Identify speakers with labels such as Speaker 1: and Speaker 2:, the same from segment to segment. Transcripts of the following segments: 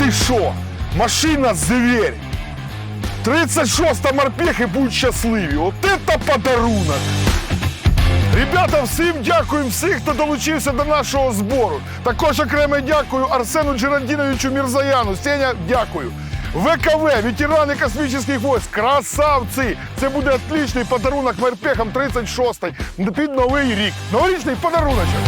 Speaker 1: Ти що? Машина зверь! 36-та морпехи будуть щасливі. От це подарунок! Ребята, всім дякую, всіх, хто долучився до нашого збору. Також окремо дякую Арсену Джеральдіновичу Мірзаяну. Сеня, дякую. ВКВ, ветерани космічних військ, красавці! Це буде отличний подарунок морпехам 36-ї під Новий рік. Новорічний подаруночок.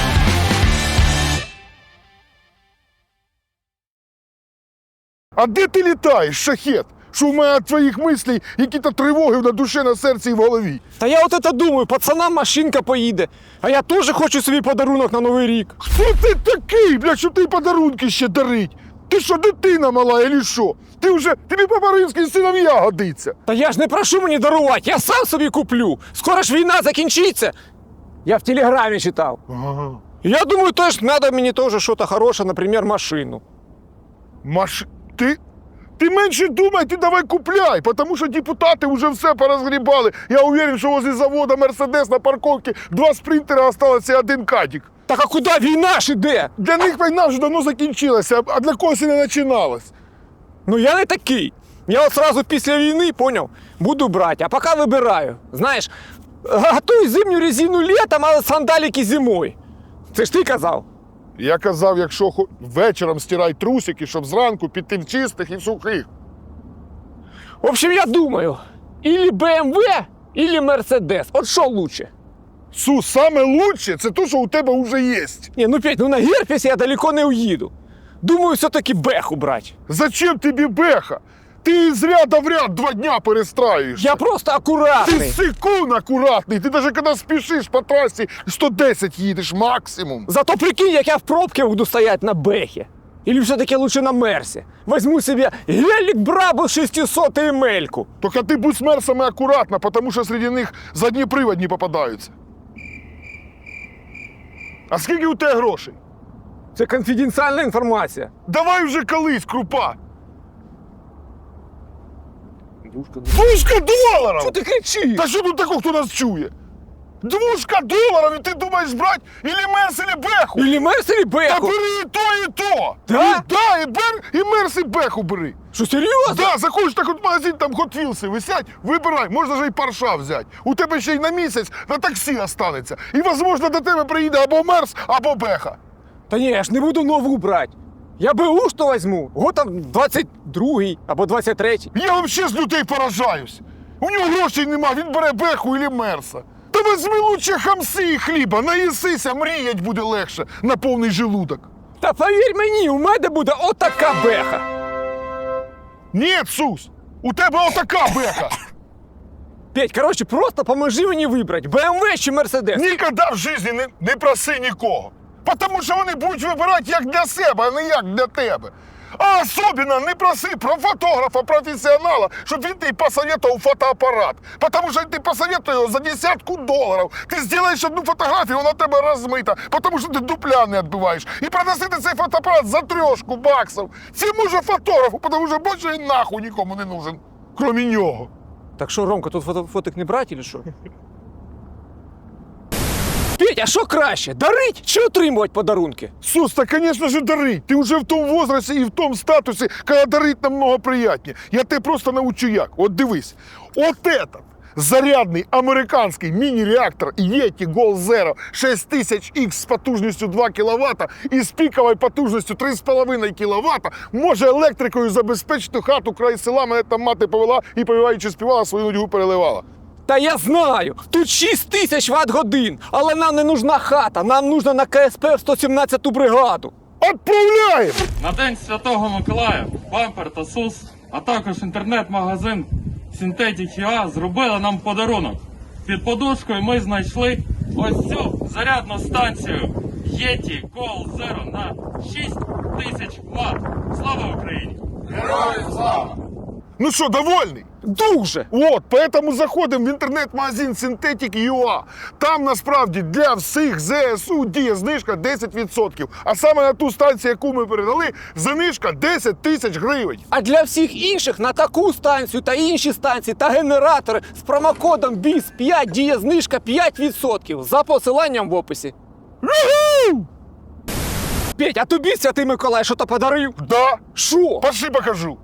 Speaker 1: А де ти літаєш, шахет? Що в мене від твоїх мислей які-то тривоги на душі, на серці і в голові?
Speaker 2: Та я от це думаю, пацанам машинка поїде. А я теж хочу собі подарунок на Новий рік.
Speaker 1: Хто ти такий, бля, що ти подарунки ще дарить? Ти що, дитина мала, или що? Тобі по-баринськи синов'я годиться.
Speaker 2: Та я ж не прошу мені дарувати, я сам собі куплю. Скоро ж війна закінчиться. Я в телеграмі читав.
Speaker 1: Ага.
Speaker 2: Я думаю, теж треба мені теж щось хороше, наприклад, машину.
Speaker 1: Ти менше думай, ти давай купляй, тому що депутати вже все порозгрібали. Я уверен, що возле завода Мерседес на парковці 2 спринтера осталося і 1 кадік.
Speaker 2: Так а куди війна ж іде?
Speaker 1: Для них війна вже давно закінчилася, а для когось і не починалась.
Speaker 2: Ну я не такий. Я от сразу після війни, поняв, буду брати, а поки вибираю. Знаєш, готуй зимню резину літом, а сандаліки зимою. Це ж ти казав.
Speaker 1: Я казав, якщо вечором стирай трусики, щоб зранку піти в чистих і в сухих.
Speaker 2: В общем, я думаю, или BMW, или Mercedes. От що лучше?
Speaker 1: Сус, саме лучше – це те, що у тебе вже є.
Speaker 2: Не, ну Петь, ну на Герпесі я далеко не уїду. Думаю, все-таки Беху брати.
Speaker 1: Зачем тобі беха? Ти з ряда в ряд 2 дня перестраюєш.
Speaker 2: Я просто
Speaker 1: Ти
Speaker 2: акуратний.
Speaker 1: секунд акуратний. Ти навіть коли спішиш по трасі, 110 їдеш максимум.
Speaker 2: Зато прикинь, як я в пробці буду стоять на Бехі. Или все-таки лучше на Мерсі. Возьму себе гелік Брабус 600 и Емельку.
Speaker 1: Тільки ти будь з мерсами акуратно, тому що серед них задніприводні попадаються. А скільки у тебе грошей?
Speaker 2: Це конфіденціальна інформація.
Speaker 1: Давай вже колись, крупа. $2
Speaker 2: Що ти кричиш?
Speaker 1: Та що тут такого, хто нас чує? $2 і ти думаєш брати ілі мерс, ілі беху?
Speaker 2: Или Мерс, или
Speaker 1: Та
Speaker 2: Беху.
Speaker 1: бери і то, і то!
Speaker 2: Да?
Speaker 1: І мерс, і беху бери.
Speaker 2: Що, серйозно?
Speaker 1: Да, заходиш так от в магазин, там Hot Wheels висять, вибирай, можна ж і парша взяти. У тебе ще й на місяць на таксі останеться. І, можливо, до тебе приїде або мерс, або беха.
Speaker 2: Та ні, я ж не буду нову брати. Я БУ що візьму. Год там 22-й або 23-й.
Speaker 1: Я взагалі з людей поражаюсь. У нього грошей нема, він бере беху і мерса. Та візьми лучше хамси і хліба, наїсися, мріять буде легше на повний желудок.
Speaker 2: Та повір мені, у мене буде отака Беха.
Speaker 1: Ні, Сус, у тебе отака беха.
Speaker 2: Петь, коротше, просто поможи мені вибрати, BMW чи Мерседес.
Speaker 1: Ніколи в житті не проси нікого. Тому що вони будуть вибирати як для себе, а не як для тебе. А особливо не проси про фотографа, професіонала, щоб він тобі посоветував фотоапарат. Тому що ти посоветуєш його за $10 ти зробиш одну фотографію, вона тебе розмита, тому що ти дупля не відбиваєш. І продасити цей фотоапарат за $3 Це може фотографу, тому що більше він нахуй нікому не нужен, крім нього.
Speaker 2: Так що, Ромка, тут фотик не брати, чи що? Петь, а що краще, дарить чи отримувати подарунки?
Speaker 1: Сус, та, звісно ж, дарить. Ти вже в тому возрасті і в тому статусі, коли дарить намного приємніше. Я тебе просто научу як. От дивись. От этот зарядний американський міні-реактор Yeti Gold Zero 6000X з потужністю 2 кВт і з піковою потужністю 3,5 кВт може електрикою забезпечити хату край села. Мене там мати повела і, повіваючи, співала, свою нудьгу переливала.
Speaker 2: Та я знаю, тут 6000 Вт-годин, але нам не нужна хата, нам нужна на КСП в 117-ту бригаду.
Speaker 1: Отправляємо!
Speaker 3: На День Святого Миколая Бампер та СУС, а також інтернет-магазин Synthetic UA зробили нам подарунок. Під подушкою ми знайшли ось цю зарядну станцію Yeti Gold Zero на 6000 Вт. Слава Україні! Героям слава!
Speaker 1: Ну що, довольний?
Speaker 2: Дуже!
Speaker 1: От, поэтому заходимо в інтернет-магазин Synthetic UA. Там, насправді, для всіх ЗСУ діє знижка 10%. А саме на ту станцію, яку ми передали, знижка 10 000 гривень.
Speaker 2: А для всіх інших на таку станцію та інші станції та генератори з промокодом BIS5 діє знижка 5% за посиланням в описі. Петь, а тобі Святий Миколай що-то подарив?
Speaker 1: Да.
Speaker 2: Що?
Speaker 1: Пошли покажу.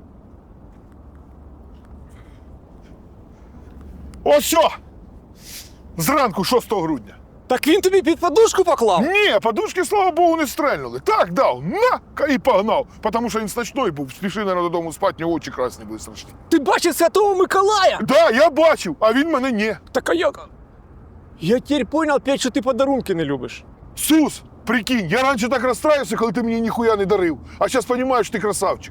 Speaker 1: Ось що! Зранку 6 грудня.
Speaker 2: Так він тобі під подушку поклав?
Speaker 1: Ні, подушки, слава Богу, не стрельнули. Так дав, на, і погнав. Тому що він ночной був, спішив, наверное, додому спати, у нього очі красні були страшні.
Speaker 2: Ти бачив Святого Миколая?
Speaker 1: Да, я бачив, а він мене ні.
Speaker 2: Так а як? Я тепер понял, Петь, що ти подарунки не любиш.
Speaker 1: Сус, прикинь, я раніше так розстраювався, коли ти мені ніхуя не дарив. А зараз розумію, що ти красавчик.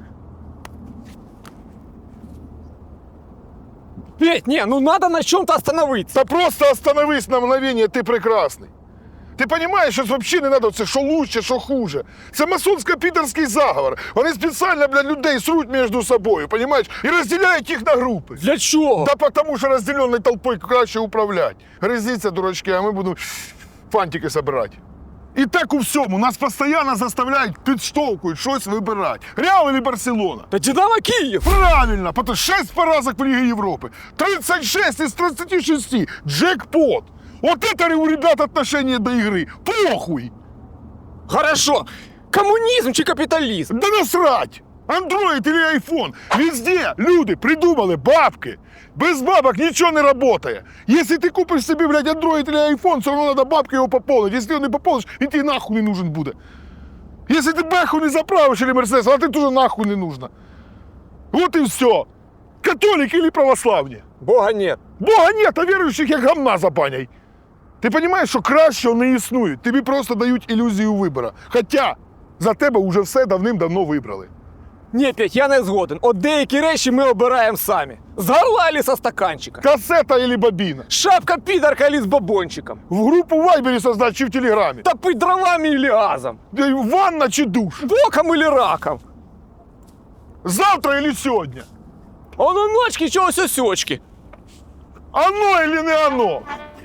Speaker 2: Петь, не, ну надо на чем-то остановиться.
Speaker 1: Та просто остановись на мгновение, ти прекрасний. Ти розумієш, що взагалі не треба це, що лучше, що хуже. Це масонсько-підерський заговор. Вони спеціально, блядь, людей сруть між собою, розумієш? І розділяють їх на групи.
Speaker 2: Для чого?
Speaker 1: Да потому що розділеною толпою краще управляти. Гризіться, дурачки, а ми будемо фантики збирати. І так у всьому. Нас постійно заставляють, підштовхують щось вибирати. Реал или Барселона?
Speaker 2: Та Динамо Київ.
Speaker 1: Правильно, потому 6 поразок в Лиге Европы. 36 из 36. Джекпот. Вот это у ребят отношение до игры. Похуй.
Speaker 2: Хорошо. Комунізм чи капіталізм?
Speaker 1: Да насрать. Андроид или айфон. Везде люди придумали бабки. Без бабок ничего не работает. Если ты купишь себе, блядь, андроид или айфон, все равно надо бабки его пополнить. Если его не пополнишь, він тебе нахуй не нужен будет. Если ты бэху не заправишь или Мерседес, а ты тоже нахуй не нужно. Вот и все. Католик или православні.
Speaker 2: Бога нет.
Speaker 1: Бога нет, а віруючих як гамна за баней. Ти розумієш, що кращого не існує. Тобі просто дають ілюзію вибору. Хоча за тебе вже все давним-давно вибрали.
Speaker 2: Ні, Петь, я не згоден. От деякі речі ми обираємо самі. З горла или со стаканчика.
Speaker 1: Касета или бобіна.
Speaker 2: Шапка підарка или з бабончиком.
Speaker 1: В групу в Вайбері создать чи в Телеграмі.
Speaker 2: Топить дровами или газом.
Speaker 1: Ванна чи душ.
Speaker 2: Боком или раком.
Speaker 1: Завтра или сьогодні.
Speaker 2: А на ночки чогось осьочки.
Speaker 1: Оно или не оно.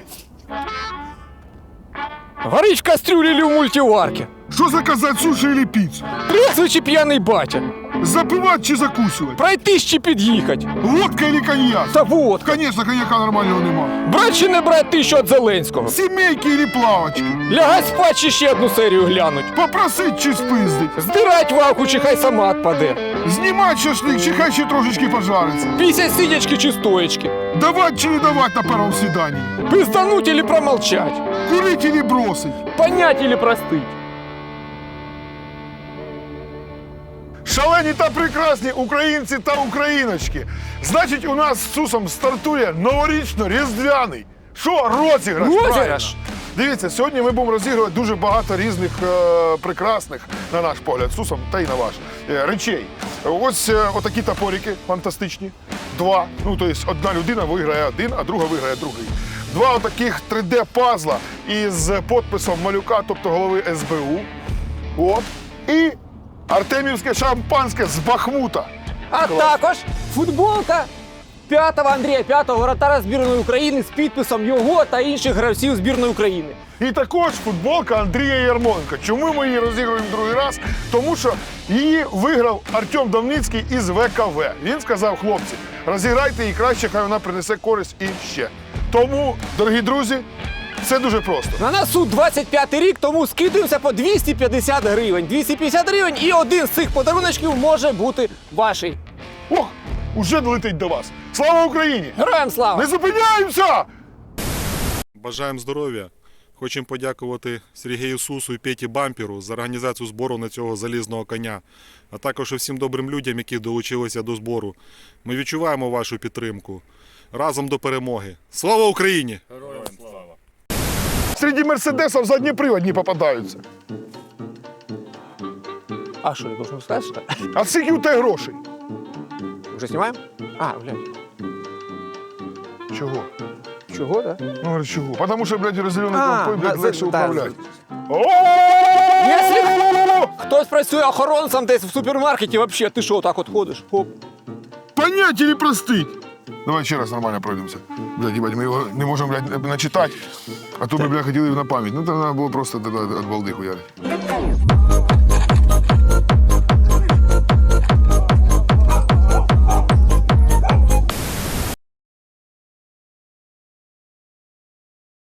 Speaker 2: Горить в кастрюлі или в мультиварці.
Speaker 1: Що заказати, суші или піцу?
Speaker 2: Трезвий чи п'яний батя.
Speaker 1: Запивати чи закусувати?
Speaker 2: Пройтись чи під'їхать.
Speaker 1: Водка или коньяк?
Speaker 2: Та вот.
Speaker 1: Конечно, коньяка нормального нема.
Speaker 2: Брать чи не брать тисячу від Зеленського.
Speaker 1: Сімейки или плавочки?
Speaker 2: Лягать спать чи ще одну серію глянуть.
Speaker 1: Попросить чи спиздить?
Speaker 2: Здирать вавку чи хай сама отпаде.
Speaker 1: Знімати шашлик чи хай ще трошечки пожариться?
Speaker 2: Пісять сидячки чи стоячки.
Speaker 1: Давать чи не давать на первом свидании?
Speaker 2: Пиздануть или промолчать.
Speaker 1: Курить или бросить?
Speaker 2: Понять или простыть.
Speaker 1: Шалені та прекрасні українці та україночки. Значить, у нас з Сусом стартує новорічно-різдвяний. Що? Розіграш.
Speaker 2: Розіграш?
Speaker 1: правильно. Дивіться, сьогодні ми будемо розігрувати дуже багато різних прекрасних, на наш погляд, Сусом та й на ваш, речей. Ось отакі топорики фантастичні. Два. Ну, тобто одна людина виграє один, а друга виграє другий. Два отаких 3D-пазла із підписом малюка, тобто голови СБУ. От. І артемівське шампанське з Бахмута.
Speaker 2: А також футболка 5-го Андрія, 5-го воротара збірної України з підписом його та інших гравців збірної України.
Speaker 1: І також футболка Андрія Ярмоленка. Чому ми її розігруємо другий раз? Тому що її виграв Артем Давницький із ВКВ. Він сказав, хлопці, розіграйте її краще, хай вона принесе користь і ще. Тому, дорогі друзі, все дуже просто.
Speaker 2: На носу 25-й рік, тому скидуємося по 250 гривень. 250 гривень і один з цих подаруночків може бути ваший.
Speaker 1: Ох, уже долетить до вас. Слава Україні!
Speaker 2: Героям слава!
Speaker 1: Не зупиняємося!
Speaker 4: Бажаємо здоров'я. Хочемо подякувати Сергію Сусу і Петі Бамперу за організацію збору на цього залізного коня, а також всім добрим людям, які долучилися до збору. Ми відчуваємо вашу підтримку. Разом до перемоги. Слава Україні!
Speaker 1: Серед мерседесів задніприводні попадаються.
Speaker 2: А що, я должен сказати, що так?
Speaker 1: А скільки у тебе грошей?
Speaker 2: Уже знімаємо? А, блядь.
Speaker 1: Чого?
Speaker 2: Чого, да?
Speaker 1: Ну, говорю, чого? Тому що, блядь, розділеною
Speaker 2: А,
Speaker 1: толпою, блядь,
Speaker 2: да,
Speaker 1: легше
Speaker 2: да,
Speaker 1: управляти.
Speaker 2: Якщо хтось працює охоронцем десь в супермаркеті, вообще, ти що, так от ходиш? Хоп.
Speaker 1: Понять или простить? Давай ще раз нормально пройдемося. Блядь, їбать, ми його не можемо, блядь, начитати, а то ми, блядь, хотіли на пам'ять. Ну, то треба було просто від балди хуярити.